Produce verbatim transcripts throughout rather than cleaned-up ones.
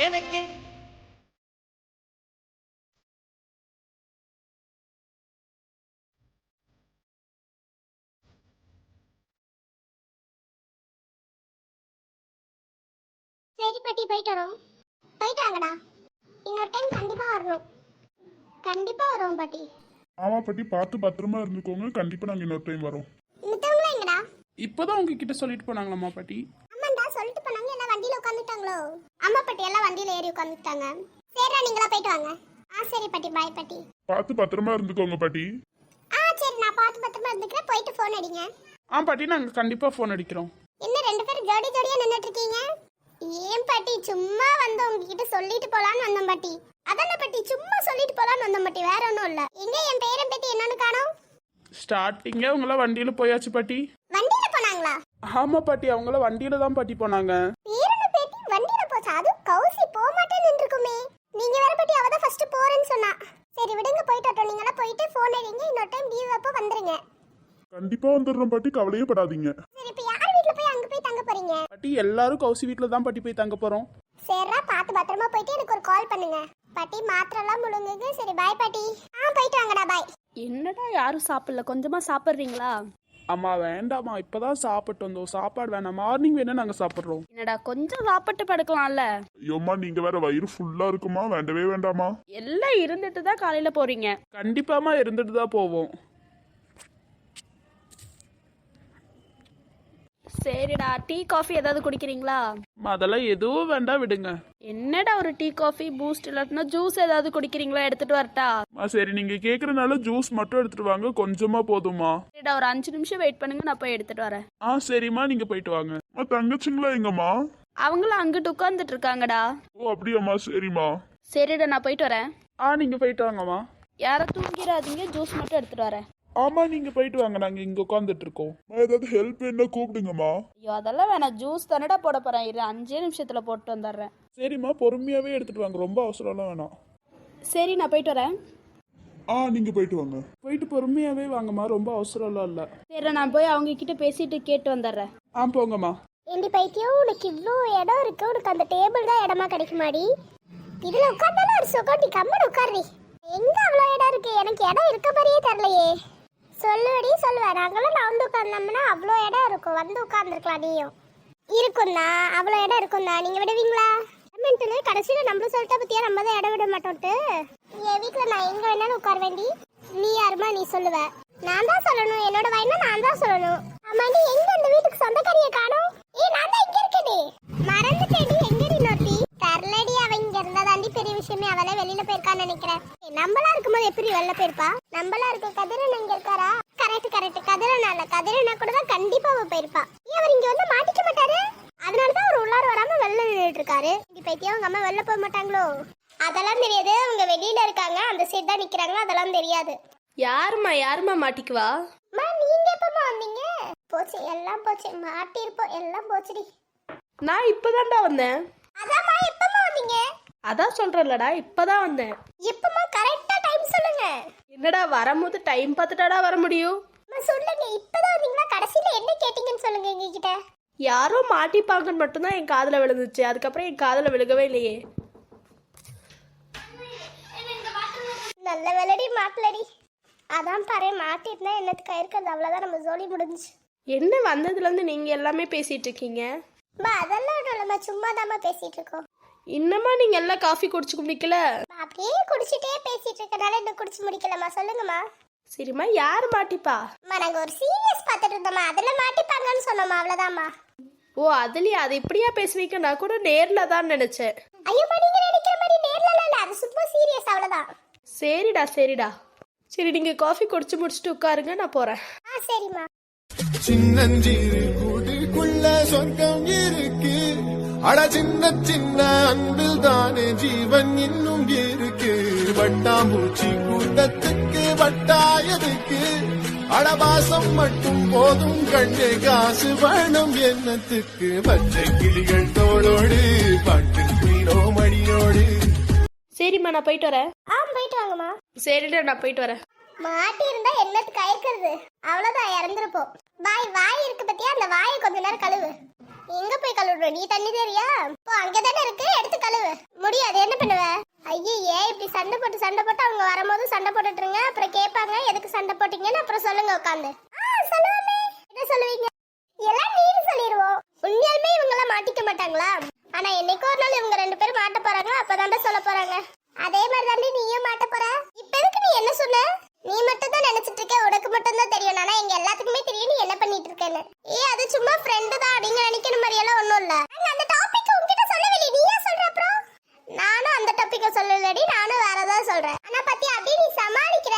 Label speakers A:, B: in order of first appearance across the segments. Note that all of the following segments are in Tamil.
A: எனக்கு.
B: சரி பாட்டி, போயிட்டு வரோம். போயிட்டு வாங்கடா. இன்னொரு டைம் கண்டிப்பா வரணும். கண்டிப்பா வரோம் பாட்டி.
C: ஆமா பாட்டி, பார்த்து பத்திரமா இருந்துக்கோங்க. கண்டிப்பா நாங்க இன்னொரு டைம் வரோம்.
B: மித்தவங்களா எங்கடா?
D: இப்பதான் உங்ககிட்ட சொல்லிட்டு போனாங்களாம்மா பாட்டி.
B: ஆமாண்டா, சொல்லிட்டு போனாங்க. எல்லாம் வண்டியில உட்காந்துட்டாங்களோ? ஆமா பாட்டி, எல்லாம் வண்டியில ஏறி உட்காந்துட்டாங்க. சரிடா, நீங்களா போயிட்டு வாங்க. ஆ சரி பாட்டி, பாய் பாட்டி.
C: பார்த்து பத்திரமா இருந்துக்கோங்க பாட்டி.
B: ஆ சரி, நான் பார்த்து பத்திரமா இருந்துக்கிறேன். போயிட்டு ஃபோன் அடிங்க.
D: ஆ பாட்டி, நாங்க கண்டிப்பா ஃபோன் அடிக்கிறோம்.
B: என்ன ரெண்டு பேரும் ஜோடி ஜோடியா நின்னுட்டு இருக்கீங்க? ஏன் பாட்டி, சும்மா வந்து உங்ககிட்ட சொல்லிட்டு போலான்னு வந்தோம் பாட்டி. அதான பாட்டி, சும்மா சொல்லிட்டு போலான்னு வந்தோம் பாட்டி, வேற ஒன்றும் இல்ல. எங்க என் பேரன் பேத்தி என்னன்னு காணோம்?
D: ஸ்டார்டிங்கே அவங்களாம் வண்டியில போயாச்சு பாட்டி.
B: வண்டியில போனாங்களா?
D: ஆமா பாட்டி, அவங்களாம் வண்டியில தான் பாட்டி போனாங்க.
B: பேரன் பேத்தி வண்டியில போச்சா? அது கௌசி போக மாட்டேன்னு நின்றுக்குமே. நீங்க வேற பாட்டி, அவ தான் ஃபர்ஸ்ட் போறேன்னு சொன்னா. சரி விடுங்க, போயிட்டு வரட்டும். நீங்களா போயிட்டு ஃபோன் அடிங்க. இன்னொரு டைம் லீவ் அப்போ வந்துருங்க.
C: கண்டிப்பா வந்துடுறோம் பாட்டி, கவலையே படாதீங்க.
B: சரி, இப்போ யார் வீட்ல போய் அங்க போய் தங்க போறீங்க?
D: பாட்டி எல்லாரும் கௌசி வீட்ல தான் பாட்டி போய் தங்க போறோம்.
B: சரிடா, பார்த்து பத்திரமா போயிட்டு எனக்கு ஒரு கால் பண்ணுங்க. பாட்டி மாத்திரலாம் முழுங்குங்க. சரி பாய் பாட்டி. ஆ போயிட்டு வாங்கடா, பாய்.
E: என்னடா யாரும் சாப்பிடல, கொஞ்சமா சாப்பிட்றீங்களா?
D: அம்மா வேண்டாமா, இப்பதான் சாப்பிட்டு வந்தோம். சாப்பாடு வேணாம், மார்னிங் வேணா நாங்க சாப்பிடுறோம்.
E: என்னடா கொஞ்சம் சாப்பிட்டு படுக்கலாம்ல?
C: ஐயோம்மா, நீங்க வேற வயிறு ஃபுல்லா இருக்குமா? வேண்டவே வேண்டாமா?
E: எல்லாம் இருந்துட்டு தான் காலையில போறீங்க.
D: கண்டிப்பாமா இருந்துட்டு தான் போவோம்.
E: சரிடா, டீ காஃபி ஏதாவது குடிக்கிறீங்களா?
D: அம்மா, அதெல்லாம் எதுவும் வேண்டாம், விடுங்க.
E: என்னடா ஒரு டீ காஃபி பூஸ்ட் இல்லாட்டினா ஜூஸ் ஏதாவது குடிக்கிறீங்களா? எடுத்துட்டு வரட்டா?
D: அம்மா, சரி நீங்க கேக்குறதுனால ஜூஸ் மட்டும் எடுத்துட்டு வாங்க, கொஞ்சமா போதுமா?
E: சரிடா, ஒரு அஞ்சு நிமிஷம் வெயிட் பண்ணுங்க, நான் போய் எடுத்துட்டு வரேன்.
D: ஆ சரிம்மா, நீங்க போயிட்டு வாங்க.
C: அம்மா, தங்கச்சிங்களா எங்கம்மா?
E: அவங்களும் அங்கிட்டு உட்காந்துட்டு இருக்காங்கடா.
C: ஓ அப்படியாம்மா, சரிம்மா.
E: சரிடா, நான் போயிட்டு வரேன்.
D: ஆ நீங்க போயிட்டு வாங்கம்மா.
E: யாரும் தூங்கிடாதீங்க, ஜூஸ் மட்டும் எடுத்துட்டு வரேன்.
D: ஆமா, நீங்க போயிட்டு வாங்க, நாங்க இங்க உட்காந்துட்டு இருக்கோம்.
C: அம்மா, ஏதாவது ஹெல்ப் என்ன கூப்பிடுங்கம்மா.
E: ஐயோ அதெல்லாம் வேணாம், ஜூஸ் தானடா போட போறேன். இரு, அஞ்சே நிமிஷத்துல போட்டு வந்துடுறேன்.
D: சரிம்மா, பொறுமையாவே எடுத்துட்டு வாங்க, ரொம்ப அவசரம்லாம் வேணாம்.
E: சரி, நான் போயிட்டு வரேன்.
C: ஆ நீங்க போயிட்டு வாங்க.
D: போயிட்டு பொறுமையாவே வாங்கம்மா, ரொம்ப அவசரம்லாம் இல்ல.
E: சரி, நான் போய் அவங்க கிட்ட பேசிட்டு கேட்டு வந்துடுறேன்.
D: ஆ போங்கம்மா.
B: ஏண்டி பைத்தியம், உனக்கு இவ்வளோ இடம் இருக்கு, உனக்கு அந்த டேபிள் தான் இடமா கிடைக்குமாடி? இதுல உட்கார்ந்தாலும் ஒரு சுகம். நீ கம்மன் உட்கார்றி. எங்க அவ்வளோ இடம் இருக்கு? எனக்கு இடம் இருக்க மாதிரியே தெரியலையே. சொல்லுவடி சொல்லுவேன். நாங்களும் நான் வந்து உட்கார்ந்தோம்னா அவ்வளோ இடம் இருக்கும், வந்து உட்கார்ந்துருக்கலாம். நீயும் இருக்கும் தான், அவ்வளோ இடம் இருக்கும் தான். நீங்க விடுவீங்களா? கடைசியில் நம்மளும் சொல்லிட்டா பத்தியா, நம்ம தான் இடம் விட மாட்டோம்ட்டு. என் வீட்டில் நான் எங்க வேணாலும் உட்கார வேண்டி. நீ யாருமா நீ சொல்லுவ? நான் தான் சொல்லணும், என்னோட வயனா நான் தான் சொல்லணும். ஆமாண்டி, எங்க அந்த வீட்டுக்கு சொந்தக்காரியை காணோம்? ஏ நான் தான் இங்க இருக்கேடி. மறந்துட்டேடி. எங்கடி நோட்டி? தரலடி. அவ இங்க இருந்தா தாண்டி பெரிய விஷயமே. அவளே வெளியில போயிருக்கான்னு நினைக்கிறேன். நம்மளா இருக்கும்போது எப்படி வெளில போயிருப்பா? நம்மளா இருக்க கதிரன் இங்க இருக்காரா? Correct correct. கதிரன் அல்ல, கதிரனா கூட தான் கண்டிப்பா அவ போயிருப்பா. ஏன் அவர் இங்க வந்து மாட்டிக்க மாட்டாரு? அதனாலதான் அவர் உள்ளார வராம வெளில நின்றுட்டு இருக்காரு. இப்ப பைத்தியம், அவங்க அம்மா வெளில போக மாட்டாங்களோ? அதெல்லாம் தெரியாது. அவங்க வெளியில இருக்காங்க, அந்த சைடு தான் நிக்கிறாங்க. அதெல்லாம் தெரியாது.
E: யாருமா யாருமா மாட்டிக்குவா?
B: அம்மா, நீங்க எப்பமா வந்தீங்க? போச்சு, எல்லாம் போச்சு. மாட்டிருப்போம், எல்லாம் போச்சுடி.
E: நான் இப்பதான்டா வந்தேன்.
B: அதாம்மா, எப்பமா வந்தீங்க?
E: அதான் சொல்றேன்லடா, இப்பதான் வந்தேன்.
B: எப்பமா? கரெக்டா டைம் சொல்லுங்க.
E: என்னடா வரும்போது டைம் பார்த்துட்டாடா வர முடியும்?
B: அம்மா சொல்லுங்க, இப்பதான் வந்தீங்களா? கடைசியில என்ன கேட்டீங்கன்னு சொல்லுங்க எங்ககிட்ட.
E: யாரோ மாட்டிப்பாங்கன்னு மட்டும்தான் என் காதுல விழுந்துச்சு. அதுக்கப்புறம் என் காதுல விழுகவே இல்லையே.
B: நல்ல வேலைடி மாட்டலடி. அதான் பாரு, மாட்டிருந்தா என்னத்துக்கு இருக்கிறது, அவ்வளவுதான், நம்ம ஜோலி முடிஞ்சு.
E: என்ன வந்ததுல இருந்து நீங்க எல்லாமே பேசிட்டு இருக்கீங்க?
B: அம்மா அதெல்லாம் இல்லம்மா, சும்மா தாம்மா பேசிட்டு இருக்கோம்.
E: இன்னமா நீங்க எல்லாம் காஃபி குடிச்சு முடிக்கல?
B: அப்படியே குடிச்சிட்டே பேசிட்டு இருக்கனால இன்னும் குடிச்சு முடிக்கலம்மா. சொல்லுங்கம்மா.
E: சரிம்மா, யார் மாட்டிப்பா?
B: அம்மா, நாங்க ஒரு சீரியஸ் பார்த்துட்டு இருந்தோம்மா, அதுல மாட்டிப்பாங்கன்னு சொன்னோம்மா, அவ்வளவுதாம்மா.
E: ஓ அதுலயே அது இப்படியா பேசுவீங்க? நான் கூட நேர்ல தான் நினைச்சேன்.
B: ஐயோம்மா, நீங்க நினைக்கிற மாதிரி நேர்ல இல்ல, அது சும்மா சீரியஸ், அவ்வளவுதான்.
E: சரிடா சரிடா. சரி, நீங்க காஃபி குடிச்சு முடிச்சுட்டு உட்காருங்க, நான் போறேன்.
B: ஆ சரிம்மா.
F: சின்னஞ்சிறு கூட்டுக்குள்ள சொர்க்கம் இருக்கு. அட சின்ன சின்ன அன்பில் தானே ஜீவன் இன்னும் இருக்கு. வட்டாம்பூச்சி கூட்டத்துக்கு வட்டாயதுக்கு. அடபாசம் மட்டும் போதும் கண்ணே, காசு வேணும் என்னத்துக்கு. பச்சை கிளிகள் தோளோடு பாட்டு மீனோ மடியோடு.
E: சரிம்மா, நான் போயிட்டு வரேன்.
B: ஆ போயிட்டு வாங்கம்மா.
E: சரிடா, நான் போயிட்டு வரேன்.
B: மாட்டி இருந்தா என்னத்துக்கு ஆயிருக்கிறது, அவ்வளவுதான், இறந்துருப்போம். வாய் வாய் இருக்கு பத்தியா, அந்த வாயை கொஞ்ச நேரம் கழுவு. எங்க போய் கழுவுற? நீ தண்ணி தெரியா? இப்போ அங்கதானே இருக்கு, எடுத்து கழுவு. சண்டை போட்டு சண்டை போட்டு அவங்க வரும்போது சண்டை போட்டுட்டுருங்க. அப்புறம் கேட்பாங்க எதுக்கு சண்டை போட்டீங்கன்னு. அப்புறம் சொல்லுங்க உட்காந்து. ஆ சொல்லுவாமே. என்ன சொல்லுவீங்க? எல்லாம் நீனு சொல்லிடுவோம். உண்மையாலுமே இவங்க எல்லாம் மாட்டிக்க மாட்டாங்களா? ஆனா என்னைக்கோ ஒரு நாள் இவங்க ரெண்டு பேரும் மாட்ட போறாங்க. அப்பதாண்டா சொல்ல போறாங்க. அதே மாதிரி தாண்டி நீயும் மாட்ட போற. இப்ப எதுக்கு நீ என்ன சொன்ன? நீ மட்டும் தான் நினைச்சிட்டு இருக்க, உனக்கு மட்டும் தான் தெரியும். ஆனா எங்க எல்லாத்துக்குமே தெரியும் நீ என்ன பண்ணிட்டு இருக்கேன்னு. ஏ அது சும்மா ஃப்ரெண்டு தான், நீங்க நினைக்கிற மாதிரி எல்லாம் ஒண்ணும் இல்ல. அந்த டாபிக் உன்கிட்ட சொல்லவே இல்லை, நீ ஏன் சொல்ற? அப்புறம் நானும் அந்த டாபிக்க சொல்லலடி, நானும் வேற ஏதாவது சொல்றேன். ஆனா பத்தி அப்படியே நீ சமாளிக்கிற.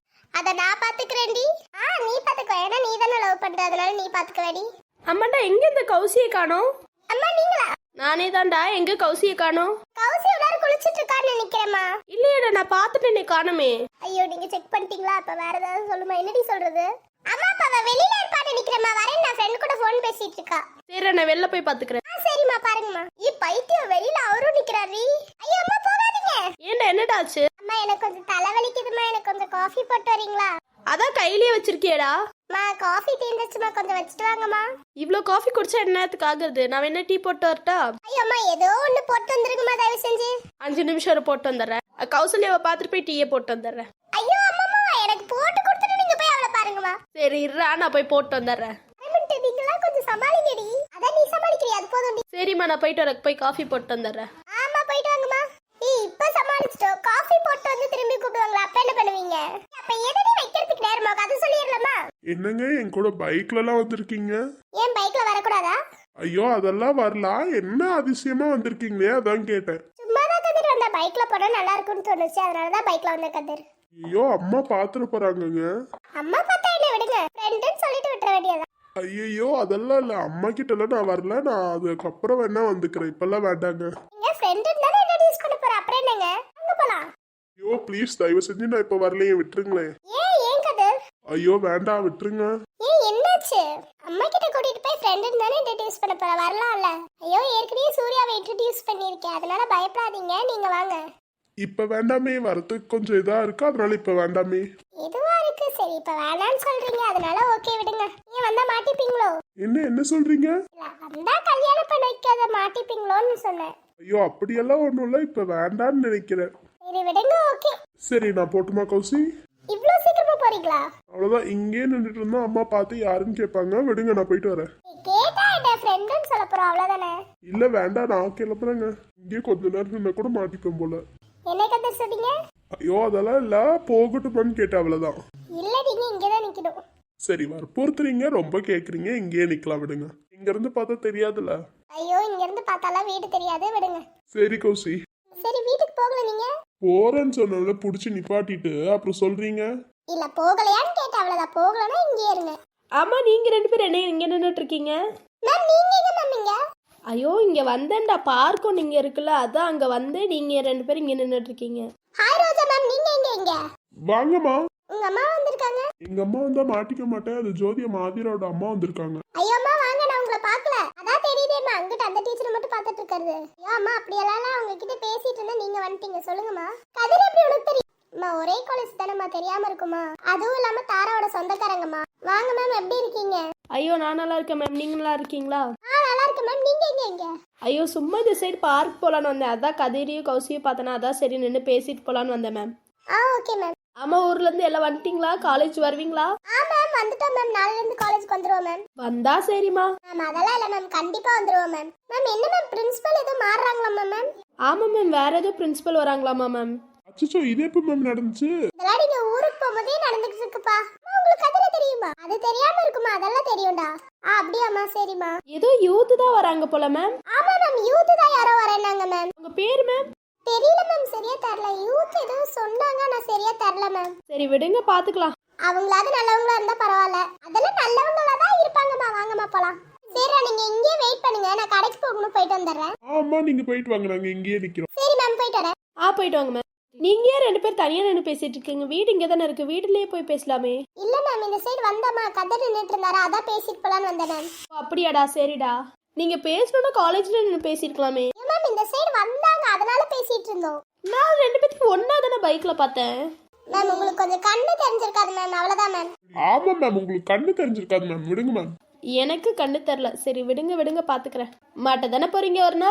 B: அத நான் பாத்துக்கிறேன்டி. ஆ நீ பாத்துக்கோ, ஏன்னா நீ தானே லவ் பண்ற, அதனால நீ பாத்துக்கவேடி.
E: அம்மாண்டா எங்க இந்த கௌசியை காணோம்?
B: அம்மா நீங்களா?
E: நானே தான்டா. எங்க கௌசியை காணோம்?
B: கௌசி உள்ளார குளிச்சிட்டு இருக்கான்னு நினைக்கிறேம்மா.
E: இல்லையடா, நான் பார்த்துட்டேனே காணுமே.
B: ஐயோ நீங்க செக் பண்ணிட்டீங்களா? அப்ப வேற ஏதாவது சொல்லுமா? என்னடி சொல்றது? அம்மா அப்ப அவ வெளியில இருப்பான்னு நினைக்கிறேம்மா. வரேன், நான் ஃப்ரெண்ட் கூட ஃபோன் பேசிட்டு இருக்கா.
E: சரி, நான் வெளில போய் பாத்துக்கிறேன்.
B: ஆ சரிம்மா, பாருங்கம்மா. ஈ பைத்தியம், வெளியில அவரும் நிக்கிறாரு. ஐயோ அம்மா போகாதீங்க.
E: ஏன்டா என்னடா ஆச்சு?
B: அம்மா எனக்கு கொஞ்சம் தலைவலிக்குதுமா, எனக்கு கொஞ்சம் காஃபி போட்டு வரீங்களா?
E: அதான் கையிலேயே வச்சிருக்கியேடா.
B: மா காஃபி தீந்துச்சுமா, கொஞ்சம் வச்சுட்டு வாங்கம்மா.
E: இவ்ளோ காஃபி குடிச்சா என்ன நேரத்துக்கு ஆகுது? நான் என்ன டீ போட்டு வரட்டா?
B: ஐயோ அம்மா ஏதோ ஒண்ணு போட்டு வந்துருங்கம்மா, தயவு செஞ்சு.
E: அஞ்சு நிமிஷம் இரு, போட்டு வந்துடுறேன். கௌசல்யாவை பார்த்துட்டு போய் டீயை போட்டு வந்துடுறேன்.
B: ஐயோ அம்மா எனக்கு போட்டு கொடுத்துட்டு நீங்க போய் அவளை பாருங்கம்மா.
E: சரி இருடா, நான் போய் போட்டு வந்துடுறேன்.
B: நீங்களா கொஞ்சம் சமாளிங்கடி. அதான் நீ சமாளிக்கிறியா, அது போதும்.
E: சரிம்மா, நான் போயிட்டு வரக்கு போய் காஃபி போட்டு வந்துடுறேன்.
B: ஆமா போயிட்டு வாங்கம்மா. ஏய் இப்ப சமாளிச்சிட்டோம், காஃபி போட்டு வந்து திரும்பி கூப்பிடுவாங்களா? அப்ப என்ன பண்ணுவீங்க? அப்ப எதடி வைக்கிறதுக்கு நேரமா? அது சொல்லிடலாமா?
C: என்னங்க என் கூட பைக்ல எல்லாம் வந்திருக்கீங்க?
B: ஏன் பைக்ல வரக்கூடாதா?
C: ஐயோ அதெல்லாம் வரலாம். என்ன அதிசயமா வந்திருக்கீங்களே, அதான் கேட்டேன்.
B: சும்மா தான் கதிர் வந்தா, பைக்ல போனா நல்லா இருக்கும்னு தோணுச்சு, அதனாலதான் பைக்ல வந்த கதிர்.
C: ஐயோ அம்மா பாத்துட்டு போறாங்கங்க.
B: அம்மா பார்த்தா என்ன, விடுங்க, ஃப்ரெண்டுன்னு சொல்லிட்டு விட்டுற வேண்டியதா.
C: ஐயோ அதெல்லாம் இல்ல, அம்மா கிட்ட எல்லாம் நான் வரல. நான் அதுக்கப்புறம் வேணா வந்துக்கிறேன், இப்பெல்லாம் வேண்டாங்க.
B: நீங்க ஃப்ரெண்டுன்னு தானே இன்ட்ரோடியூஸ் பண்ண போற, அப்புறம் என்னங்க? அங்க போலாம்.
C: ஐயோ ப்ளீஸ் தயவு செஞ்சு நான் இப்ப வரலையே, விட்டுருங்களேன்.
B: ஏன் ஏன் கதிர்?
C: ஐயோ வேண்டாம், விட்டுருங்க.
B: ஏன் என்னாச்சு? அம்மா கிட்ட கூட்டிட்டு போய் ஃப்ரெண்டுன்னு தானே இன்ட்ரோடியூஸ் பண்ண போற, வரலாம்ல. ஐயோ ஏற்கனவே சூர்யாவை இன்ட்ரோடியூஸ் பண்ணிருக்கேன், அதனால பயப்படாதீங்க, நீங்க வாங்க.
C: இப்ப வேண்டாமே, வரதுக்கு கொஞ்சம் இதா இருக்கு, அதனால இப்ப வேண்டாமே.
B: இதுவா இருக்கு, சரி இப்ப வேணாம்னு சொல்றீங்க, அதனால ஓகே விடுங்க. நீங்க வந்தா மாட்டிப்பீங்களோ?
C: என்ன என்ன சொல்றீங்க?
B: இல்ல வந்தா கல்யாணம் பண்ண வைக்காத மாட்டிப்பீங்களோன்னு சொன்னேன்.
C: ஐயோ அப்படியெல்லாம் ஒண்ணும் இல்ல, இப்ப வேண்டான்னு நினைக்கிறேன்.
B: சரி விடுங்க, ஓகே.
C: சரி நான் போட்டுமா கௌசி?
B: இவ்ளோ சீக்கிரமா போறீங்களா?
C: அவ்வளவுதான், இங்கே நின்றுட்டு இருந்தா அம்மா பார்த்து யாருன்னு கேட்பாங்க. விடுங்க நான் போயிட்டு வரேன்.
B: நீ கேட்டா என்ன ஃப்ரெண்டுன்னு சொல்ல போறோம், அவ்வளவுதானே.
C: இல்ல வேண்டாம், நான் கிளம்புறேங்க. இங்கே கொஞ்ச நேரம் நின்னா கூட மாட்டிப்பேன் போல.
B: என்ன கதை சொன்னீங்க?
C: ஐயோ அதெல்லாம் இல்ல, போகட்டுமான்னு கேட்டேன், அவ்வளவுதான்.
B: இல்ல நீங்க இங்கதான் நிக்கணும்.
C: சரி வற்புறுத்துறீங்க, ரொம்ப கேக்குறீங்க, இங்கேயே நிக்கலாம், விடுங்க. இங்க இருந்து பார்த்தா தெரியாதுல்ல.
B: ஐயோ இங்க இருந்து பார்த்தாலாம் வீடு தெரியாது, விடுங்க.
C: சரி கௌசி.
B: சரி வீட்டுக்கு போகல நீங்க?
C: போறேன்னு சொன்னல, புடிச்சு நிப்பாட்டிட்டு அப்புறம் சொல்றீங்க.
B: இல்ல போகலையான்னு கேட்டேன், அவ்வளவுதான். போகலன்னா இங்கே இருங்க.
E: ஆமா, நீங்க ரெண்டு பேரும் என்ன இங்க நின்றுட்டு இருக்கீங்க?
B: மேம் நீங்க எங்க மேம்? இங்க
E: ஐயோ, இங்க வந்தேன்டா, பார்க்கும் நீங்க இருக்குல்ல, அதான் அங்க வந்து நீங்க ரெண்டு பேரும் இங்க நின்றுட்டு இருக்கீங்க.
B: ஹாய் ரோஜா மேம், நீங்க எங்க? இங்க
C: வாங்கம்மா.
B: உங்க அம்மா வந்திருக்காங்க.
C: எங்க அம்மா வந்தா மாட்டிக்க மாட்டேன், அது ஜோதிய மாதிரோட அம்மா வந்திருக்காங்க.
B: ஐயோ அம்மா வாங்க, நான் உங்களை பார்க்கல. அதான் தெரியுதேம்மா, அங்கிட்ட அந்த டீச்சர் மட்டும் பார்த்துட்டு இருக்காரு. ஐயோ அம்மா அப்படியெல்லாம் அவங்க கிட்ட பேசிட்டு இருந்தா நீங்க வந்துட்டீங்க. சொல்லுங்கம்மா. கதிர் எப்படி உனக்கு தெரியும்? அம்மா ஒரே காலேஜ் தானேம்மா, தெரியாம இருக்குமா? அதுவும் இல்லாம தாராவோட சொந்தக்காரங்கம்மா. வாங்க மேம், எப்படி இருக்கீங்க?
E: ஐயோ நான் நல்லா இருக்கேன் மேம், நீங்க நல்லா இருக்கீங்களா?
B: ஆ நல்லா இருக்கேன் மேம். நீங்க எங்க? இங்க
E: ஐயோ சும்மா இந்த சைடு பார்க் போலான்னு வந்தேன், அதான் கதிரியும் கௌசியும் பார்த்தேன்னா அதான் சரி நின்று பேசிட்டு போலான்னு வந்தேன் மேம்.
B: ஆ ஓகே மேம்.
E: ஆமா, ஊர்ல இருந்து எல்லாம் வந்துட்டீங்களா? காலேஜ் வருவீங்களா?
B: ஆ மேம் வந்துட்டோம் மேம், நாளைல இருந்து காலேஜ்க்கு வந்துருவோம் மேம்.
E: வந்தா சரிம்மா.
B: மேம் அதெல்லாம் இல்ல மேம், கண்டிப்பா வந்துருவோம் மேம். மேம் என்ன மேம், பிரின்சிபல் ஏதோ மாறுறாங்களாமா மேம்?
E: ஆமா மேம், வேற ஏதோ பிரின்சிபல் வராங்களாமா மேம்.
C: அச்சோ இது எப்ப மேம் நடந்துச்சு?
B: இதெல்லாம் நீங்க ஊருக்கு போகும்போதே நடந்துட்டு இருக்குப்பா. அம்மா, உங்களுக்கு அதெல்லாம் தெரியுமா? அது தெரியாம இருக்குமா? அதெல்லாம் தெரியும்டா. ஆ அப்படியாம்மா, சரிம்மா.
E: ஏதோ யூத் தான் வராங்க போல மேம்.
B: ஆமா மேம், யூத் தான் யாரோ வரேன்னாங்க மேம்.
E: உங்க பேர் மேம்?
B: தெரியல மேம், சரியா தெரியல. யூத் ஏதோ சொன்னாங்க, நான் சரியா தெரியல மேம்.
E: சரி விடுங்க, பாத்துக்கலாம்.
B: அவங்களாவது நல்லவங்களா இருந்தா பரவாயில்ல, அதெல்லாம் நல்லவங்களா தான் இருப்பாங்கம்மா. வாங்கம்மா போலாம். சரிடா, நீங்க இங்கேயே வெயிட் பண்ணுங்க, நான் கடைக்கு போகணும், போயிட்டு வந்துடுறேன்.
C: ஆமா நீங்க போயிட்டு வாங்க, நாங்க இங்கேயே நிக்கிறோம்.
B: சரி மேம், போயிட்டு வரேன்.
E: ஆ போயிட்டு வாங்க மேம். நீங்க ஏன் ரெண்டு பேர் தனியா நின்று பேசிட்டு இருக்கீங்க? வீடு இங்க தானே இருக்கு, வீட்டுலயே போய் பேசலாமே.
B: இல்ல மேம், இந்த சைடு வந்தம்மா, கதை நின்றுட்டு இருந்தாரா, அதான் பேசிட்டு போலான்னு வந்தேன் மேம்.
E: ஓ, அப்படியாடா, சரிடா. நீங்க பேசணும்னா காலேஜ்ல நின்று பேசிருக்கலாமே.
B: மேம் இந்த சைடு வந்தாங்க, அதனால பேசிட்டு இருந்தோம்.
E: நான் ரெண்டு பேத்துக்கு ஒன்னா தானே பைக்ல பார்த்தேன்.
B: மேம் உங்களுக்கு கொஞ்சம் கண்ணு தெரிஞ்சிருக்காது மேம், அவ்வளவுதான் மேம்.
C: ஆமா மேம், உங்களுக்கு கண்ணு தெரிஞ்சிருக்காது மேம், விடுங்க மேம்.
E: எனக்கு கண்ணு தெரியல. சரி விடுங்க விடுங்க, பாத்துக்கிறேன். மாட்ட தானே போறீங்க ஒரு நாள்.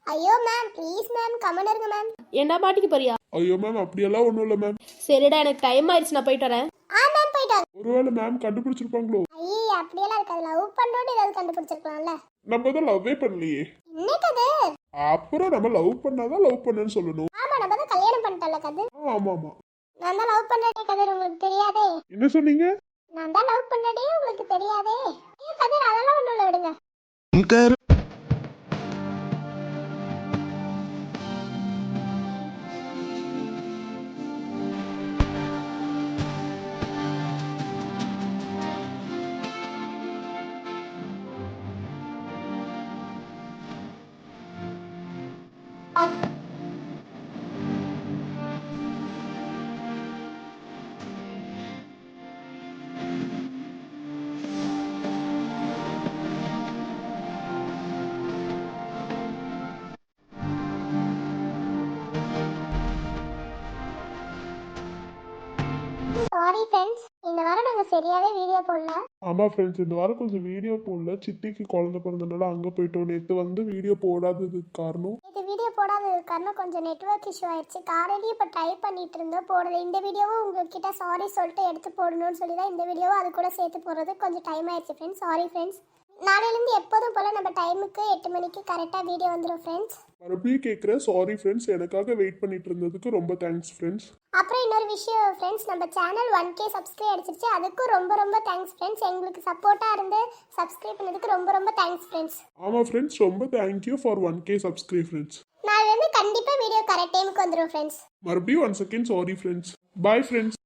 B: ஐயோ மேம் ப்ளீஸ் மேம் கமெண்ட் இருங்க மேம்.
E: ஏண்டா மாட்டிக்க போறியா?
C: ஐயோ மேம் அப்படியெல்லாம் ஒன்றும் இல்லை மேம்.
E: சரிடா எனக்கு டைம் ஆயிடுச்சு நான் போயிட்டு வரேன்.
B: ஆ மேம் போயிட்டு வாங்க.
C: ஒருவேளை மேம் கண்டுபிடிச்சிருப்பாங்களோ?
B: ஐயே அப்படியெல்லாம் இருக்காது. லவ் பண்றோன்னு ஏதாவது கண்டுபிடிச்சிருக்கலாம்ல.
C: நம்ம தான் லவ்வே பண்ணலையே.
B: என்ன கதை?
C: அப்புறம் நம்ம லவ் பண்ணாதான் லவ் பண்ணேன்னு சொல்லணும்.
B: ஆமா நம்ம தான் கல்யாணம் பண்ணிட்டோம்ல கதை.
C: ஆ, ஆமா ஆமா.
B: நான் தான் லவ் பண்றேன் கதை உங்களுக்கு தெரியாதே.
C: என்ன சொன்னீங்க?
B: நான் தான் லவ் பண்ணதே உங்களுக்கு தெரியாதே. ஏன் கதிர் அதெல்லாம் ஒண்ணும் இல்ல விடுங்க. சாரி ஃப்ரெண்ட்ஸ், இந்த வாரம் நாங்க சரியாவே வீடியோ போடல.
C: ஆமா ஃப்ரெண்ட்ஸ், இந்த வாரம் கொஞ்சம் வீடியோ போடல. சித்திக்கு குழந்தை பிறந்தனால அங்க போயிட்டோம். நேற்று வந்து வீடியோ போடாததுக்கு காரணம்
B: இது வீடியோ போடாதது காரணம் கொஞ்சம் நெட்வொர்க் இஷ்யூ ஆயிடுச்சு. காலையிலேயே இப்போ ட்ரை பண்ணிட்டு இருந்தோம் போடுறது. இந்த வீடியோவும் உங்ககிட்ட சாரி சொல்லிட்டு எடுத்து போடணும்னு சொல்லி தான் இந்த வீடியோவும் அது கூட சேர்த்து போடுறது கொஞ்சம் டைம் ஆயிடுச்சு ஃப்ரெண்ட்ஸ். Sorry friends. நாளையிலேருந்து எப்போதும் போல் நம்ம டைமுக்கு எட்டு மணிக்கு கரெக்டாக வீடியோ வந்துடும் ஃப்ரெண்ட்ஸ்.
C: மறுபடியும் கேட்குறேன், சாரி ஃப்ரெண்ட்ஸ். எனக்காக வெயிட் பண்ணிட்டு இருந்ததுக்கு ரொம்ப தேங்க்ஸ் ஃப்ரெண்ட்ஸ்.
B: அப்புறம் இன்னொரு விஷயம் ஃப்ரெண்ட்ஸ், நம்ம சேனல் ஒன் கே சப்ஸ்கிரைப் அடிச்சிருச்சு. அதுக்கும் ரொம்ப ரொம்ப தேங்க்ஸ் ஃப்ரெண்ட்ஸ். எங்களுக்கு சப்போர்ட்டாக இருந்து சப்ஸ்கிரைப் பண்ணதுக்கு ரொம்ப ரொம்ப தேங்க்ஸ் ஃப்ரெண்ட்ஸ்.
C: ஆமாம் ஃப்ரெண்ட்ஸ், ரொம்ப thank you for one K subscribe friends.
B: நாளையிலேருந்து கண்டிப்பாக வீடியோ கரெக்ட் டைமுக்கு வந்துடும் ஃப்ரெண்ட்ஸ்.
C: மறுபடியும் one second sorry friends. Bye friends.